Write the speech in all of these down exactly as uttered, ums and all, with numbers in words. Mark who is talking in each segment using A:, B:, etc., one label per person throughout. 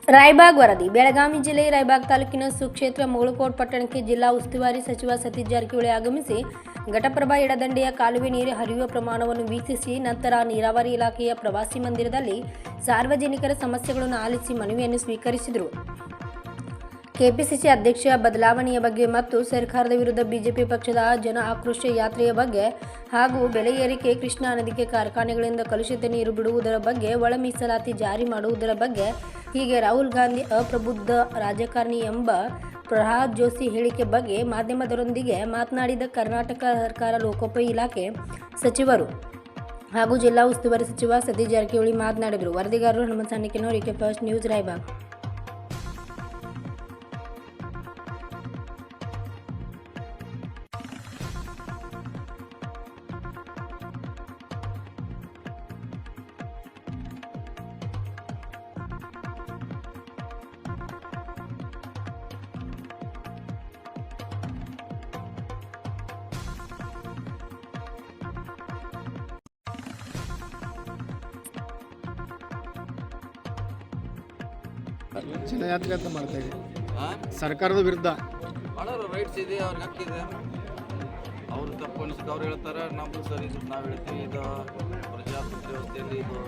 A: ರಾಯಬಾಗ್ ವರದಿ. ಬೆಳಗಾವಿ ಜಿಲ್ಲೆ ರಾಯಬಾಗ್ ತಾಲೂಕಿನ ಸುಕ್ಷೇತ್ರ ಮುಗಳಕೋಟ್ ಪಟ್ಟಣಕ್ಕೆ ಜಿಲ್ಲಾ ಉಸ್ತುವಾರಿ ಸಚಿವ ಸತೀಶ್ ಜಾರಕಿಹೊಳಿ ಆಗಮಿಸಿ ಘಟಪ್ರಭಾ ಎಡದಂಡೆಯ ಕಾಲುವೆ ನೀರು ಹರಿಯುವ ಪ್ರಮಾಣವನ್ನು ವೀಕ್ಷಿಸಿ ನಂತರ ನೀರಾವರಿ ಇಲಾಖೆಯ ಪ್ರವಾಸಿ ಮಂದಿರದಲ್ಲಿ ಸಾರ್ವಜನಿಕರ ಸಮಸ್ಯೆಗಳನ್ನು ಆಲಿಸಿ ಮನವಿಯನ್ನು ಸ್ವೀಕರಿಸಿದರು. ಕೆಪಿಸಿಸಿ ಅಧ್ಯಕ್ಷ ಬದಲಾವಣೆಯ ಬಗ್ಗೆ ಮತ್ತು ಸರ್ಕಾರದ ವಿರುದ್ಧ ಬಿಜೆಪಿ ಪಕ್ಷದ ಜನ ಆಕ್ರೋಶ ಯಾತ್ರೆಯ ಬಗ್ಗೆ ಹಾಗೂ ಬೆಲೆ ಏರಿಕೆ, ಕೃಷ್ಣಾ ನದಿಗೆ ಕಾರ್ಖಾನೆಗಳಿಂದ ಕಲುಷಿತ ನೀರು ಬಿಡುವುದರ ಬಗ್ಗೆ, ಒಳ ಮೀಸಲಾತಿ ಜಾರಿ ಮಾಡುವುದರ ಬಗ್ಗೆ, ಹೀಗೆ ರಾಹುಲ್ ಗಾಂಧಿ ಅಪ್ರಬುದ್ಧ ರಾಜಕಾರಣಿ ಎಂಬ ಪ್ರಹ್ಲಾದ್ ಜೋಶಿ ಹೇಳಿಕೆ ಬಗ್ಗೆ ಮಾಧ್ಯಮದವರೊಂದಿಗೆ ಮಾತನಾಡಿದ ಕರ್ನಾಟಕ ಸರ್ಕಾರ ಲೋಕೋಪಯೋಗಿ ಇಲಾಖೆ ಸಚಿವರು ಹಾಗೂ ಜಿಲ್ಲಾ ಉಸ್ತುವಾರಿ ಸಚಿವ ಸತೀಶ್ ಜಾರಕಿಹೊಳಿ ಮಾತನಾಡಿದರು. ವರದಿಗಾರರು ಹನುಮಂತ ಸಾಣಿಕೆನವರು, ಎಕೆ ಫಸ್ಟ್ ನ್ಯೂಸ್, ರಾಯಬಾಗ್.
B: ಜನಯಾತ್ರೆ ಅಂತ ಮಾಡ್ತಾ ಇದೆ ಸರ್ಕಾರದ ವಿರುದ್ಧ.
C: ಮಾಡೋರು ರೈಟ್ಸ್ ಇದೆ, ಅವ್ರಿಗೆ ಹಕ್ಕಿದೆ. ಅವ್ರು ತಪ್ಪು ಅನಿಸಿದ್ದು ಅವ್ರು ಹೇಳ್ತಾರೆ, ನಮ್ಮದು ಸರಿ ನಾವು ಹೇಳ್ತೀವಿ. ಇದು ಪ್ರಜಾಪ್ರಭುತ್ವ ವ್ಯವಸ್ಥೆಯಲ್ಲಿ ಇದು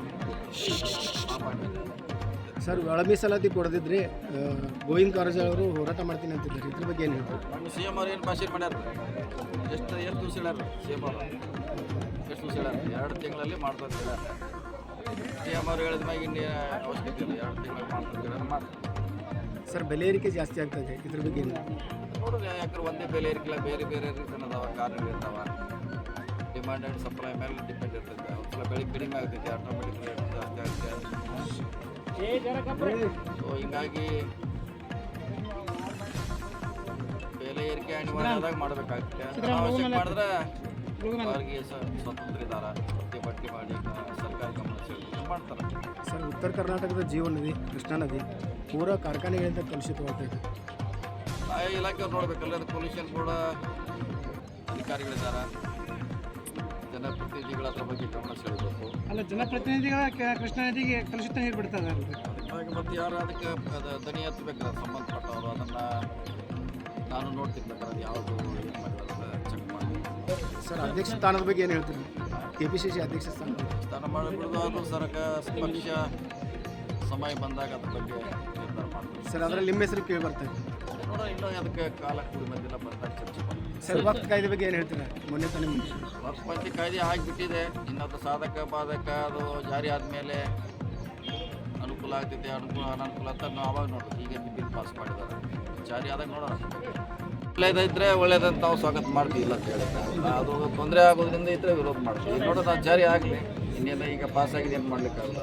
B: ಸರ್, ಒಳ ಮೀಸಲಾತಿ ಕೊಡದಿದ್ರೆ ಗೋವಿಂದ ಕಾರಜೋಳ ಅವರು ಹೋರಾಟ ಮಾಡ್ತೀನಿ ಅಂತಿದ್ದಾರೆ. ಇದ್ರ ಬಗ್ಗೆ ಏನು ಹೇಳ್ತಾರೆ?
C: ನಮ್ಮ ಸಿ ಎಮ್ ಅವ್ರು ಏನು ಭಾಷೆ ಮಾಡ್ಯಾರ? ಎಷ್ಟು ಎಷ್ಟು ದಿವಸ ಹೇಳ್ಯಾರ ಸಿ ಎಮ್ ಅವರು? ಎಷ್ಟು ದಿವಸ ಹೇಳ್ಯಾರ? ಎರಡು ತಿಂಗಳಲ್ಲಿ ಮಾಡ್ತಾರೆ ಹೇಳ್ಯಾರ. ಸಿ ಎಮ್ ಅವ್ರು ಹೇಳಿದ ಮ್ಯಾಗ ಇನ್ನೇ ಅವಶ್ಯಕತೆ ಇಲ್ಲ, ಎರಡು ತಿಂಗಳಲ್ಲಿ ಮಾಡ್ತಾರೆ ಮಾಡ್ತಾರೆ.
B: ಸರ್, ಬೆಲೆ ಏರಿಕೆ ಜಾಸ್ತಿ ಆಗ್ತದೆ, ಇದ್ರ ಬಗ್ಗೆ ಏನು
C: ನೋಡಿದ್ರೆ? ಯಾಕಂದ್ರೆ ಒಂದೇ ಬೆಲೆ ಏರಿಕೆಲ್ಲ ಬೇರೆ ಬೇರೆ ರೀಸನ್ ಅದಾವ, ಕಾರಣಗಳು ಇರ್ತಾವ. ಡಿಮಾಂಡ್ ಆ್ಯಂಡ್ ಸಪ್ಲೈ ಮೇಲೆ ಡಿಪೆಂಡ್ ಇರ್ತೈತೆ. ಒಂದ್ಸಲ ಬೆಳೆ ಕಡಿಮೆ ಆಗ್ತೈತೆ, ಆಟೋಮೆಟಿಕ್ ರೇಟ್ ಜಾಸ್ತಿ ಆಗ್ತದೆ. ಸೊ ಹಿಂಗಾಗಿ ಬೆಲೆ ಏರಿಕೆ ಅನಿವಾರ್ಯದಾಗ ಮಾಡಬೇಕಾಗುತ್ತೆ. ಅವಶ್ಯಕ ಮಾಡಿದ್ರೆ ಅವ್ರಿಗೆ ಸ್ವತಂತ್ರ ಇದ್ದಾರೆ, ಪಟ್ಟಿ ಮಾಡಿ ಸರ್ಕಾರ ಗಮನ ಸೆಳೆದು ಮಾಡ್ತಾರೆ.
B: ಸರ್, ಉತ್ತರ ಕರ್ನಾಟಕದ ಜೀವ ನದಿ ಕೃಷ್ಣಾ ನದಿ ಪೂರಾ ಕಾರ್ಖಾನೆಗಳಿಂದ ಕಲುಷಿತವಾಗ್ತಾ ಇದೆ.
C: ಆಯಾ ಇಲಾಖೆಯವ್ರು ನೋಡ್ಬೇಕಲ್ಲ, ಅದು ಪೊಲ್ಯೂಷನ್ ಕೂಡ ಅಧಿಕಾರಿಗಳಿದ್ದಾರೆ, ಜನಪ್ರತಿನಿಧಿಗಳ ಅದ್ರ ಬಗ್ಗೆ ಗಮನ ಸೆಳೆಯಬೇಕು.
B: ಅಲ್ಲ, ಜನಪ್ರತಿನಿಧಿಗಳ ಕೃಷ್ಣಾ ನದಿಗೆ ಕಲುಷಿತ ನೀರು ಬಿಡ್ತಾರೆ.
C: ಅದಕ್ಕಾಗಿ ಮತ್ತೆ ಯಾರು ಅದಕ್ಕೆ ಅದು ದನಿ ಹತ್ತಬೇಕಾದ್ರೆ ಸಂಬಂಧಪಟ್ಟವರು ಅದನ್ನು ನಾನು ನೋಡ್ತಿರ್ಬೇಕಾದ್ರೆ ಅದು ಯಾವುದು ಏನು ಮಾಡಿರೋದು ಚೆಕ್ ಮಾಡಿ.
B: ಸರ್, ಅಧ್ಯಕ್ಷ ಸ್ಥಾನದ ಬಗ್ಗೆ ಏನು ಹೇಳ್ತೀರಿ? ಕೆ ಪಿ ಸಿ ಸಿ ಅಧ್ಯಕ್ಷ ಸ್ಥಾನ
C: ಸ್ಥಾನ ಮಾಡಿಬಿಡೋದು ಅದು ಸರ್ಕಾರ ಪಕ್ಷ ಸಮಯ ಬಂದಾಗ ಅದ್ರ ಬಗ್ಗೆ ನಿರ್ಧಾರ ಮಾಡ್ತೀವಿ.
B: ಸರ್, ಅದರಲ್ಲಿ ನಿಮ್ಮ ಹೆಸರು ಕೇಳಿ ಬರ್ತಾ ಇದೆ.
C: ನೋಡೋಣ, ಇನ್ನೂ ಅದಕ್ಕೆ ಕಾಲ ಕೂಡಿ ಬಂದಿಲ್ಲ, ಬಂದಾಗ ಚರ್ಚೆ ಮಾಡ್ತೀವಿ.
B: ಸರ್, ವಕ್ಫ್ ಕಾಯ್ದೆ ಬಗ್ಗೆ ಏನು ಹೇಳ್ತೀರಾ? ಮೊನ್ನೆ ತಾನೇ
C: ವಕ್ಫ್ ಪಂಚಿ ಕಾಯ್ದೆ ಆಗಿಬಿಟ್ಟಿದೆ. ಇನ್ನದು ಸಾಧಕ ಬಾಧಕ ಅದು ಜಾರಿ ಆದಮೇಲೆ ಅನುಕೂಲ ಆಗ್ತೈತೆ, ಅನುಕೂಲ ಅನನುಕೂಲ ಅಂತ ನಾವು ಅವಾಗ ನೋಡೋದು. ಈಗ ಬಿಲ್ ಪಾಸ್ ಮಾಡಿದ್ದಾರೆ, ಜಾರಿ ಆದಾಗ ನೋಡೋಣ. ಒಳ್ಳೇದಿದ್ರೆ ಒಳ್ಳೇದಂತ ನಾವು ಸ್ವಾಗತ ಮಾಡ್ತೀವಿ, ಇಲ್ಲ ಅಂತ ಹೇಳಿ. ಅದು ತೊಂದರೆ ಆಗೋದ್ರಿಂದ ಇದ್ರೆ ವಿರೋಧ ಮಾಡ್ತೀವಿ. ಈಗ ನೋಡೋದು ಅದು ಜಾರಿ ಆಗಲಿ, ಇನ್ನೇನು ಈಗ ಪಾಸ್ ಆಗಿದೆ, ಏನು ಮಾಡ್ಲಿಕ್ಕಾಗಲ್ಲ.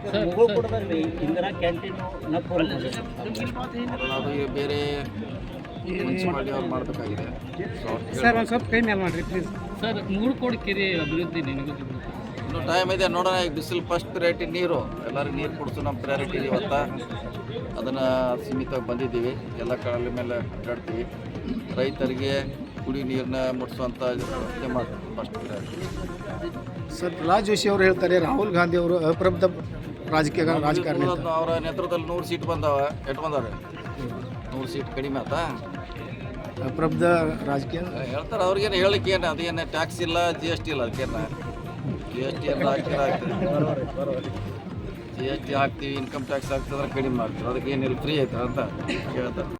C: ಅದು ಈಗ ಬೇರೆ ಮುನ್ಸಿಪಾಲಿಟಿ ಅವ್ರು ಮಾಡಬೇಕಾಗಿದೆ.
B: ಸರ್, ಒಂದು ಸ್ವಲ್ಪ ಕೈ ಮೇಲೆ ಮಾಡಿರಿ ಪ್ಲೀಸ್.
D: ಸರ್, ಮುಗಳಕೋಟ್ ಕೆರೆ ಅಭಿವೃದ್ಧಿ ನಿನಗೂ
C: ಇನ್ನೂ ಟೈಮ್ ಇದೆ, ನೋಡೋಣ. ಈಗ ಬಿಸಿಲು ಫಸ್ಟ್ ಪ್ರಯಾರಿಟಿ ನೀರು, ಎಲ್ಲರಿಗೂ ನೀರು ಕೊಡಿಸು ನಮ್ಮ ಪ್ರಯಾರಿಟಿ ಇವತ್ತು. ಅದನ್ನು ಸೀಮಿತವಾಗಿ ಬಂದಿದ್ದೀವಿ, ಎಲ್ಲ ಕಡೆ ಮೇಲೆ ಅಡ್ಡಾಡ್ತೀವಿ. ರೈತರಿಗೆ ಕುಡಿ ನೀರನ್ನ ಮುಟ್ಟಿಸುವಂಥ ವ್ಯವಸ್ಥೆ ಮಾಡ್ತೀವಿ first priority.
B: Sir, Pralhad Joshi ಅವರು ಹೇಳ್ತಾರೆ ರಾಹುಲ್ ಗಾಂಧಿ ಅವರು ಅಪ್ರಬುದ್ಧ ರಾಜಕೀಯ ರಾಜಕಾರಣಿ.
C: ಅವರ ನೇತೃತ್ವದಲ್ಲಿ ನೂರು ಸೀಟ್ ಬಂದಾವ, ಎಟ್ಟು ಬಂದಾವೆ? ನೂರು ಸೀಟ್ ಕಡಿಮೆ ಆಯ್ತಾ?
B: ಅಪ್ರಬುದ್ಧ ರಾಜಕೀಯ
C: ಹೇಳ್ತಾರೆ. ಅವ್ರಿಗೇನು ಹೇಳಿಕೆ ಏನು? ಅದೇನು ಟ್ಯಾಕ್ಸ್ ಇಲ್ಲ, ಜಿ ಎಸ್ ಟಿ ಇಲ್ಲ. ಅದಕ್ಕೇನು ಜಿ ಎಸ್ ಟಿ ಎಲ್ಲ ಹಾಕಿದ್ರೆ ಆಗ್ತದೆ. ಜಿ ಎಸ್ ಟಿ ಹಾಕ್ತೀವಿ, ಇನ್ಕಮ್ ಟ್ಯಾಕ್ಸ್ ಹಾಕ್ತಿದ್ರೆ ಕಡಿಮೆ ಆಗ್ತದೆ. ಅದಕ್ಕೇನಿಲ್ಲ, ಫ್ರೀ ಆಯ್ತಾರೆ ಅಂತ ಹೇಳ್ತಾರೆ.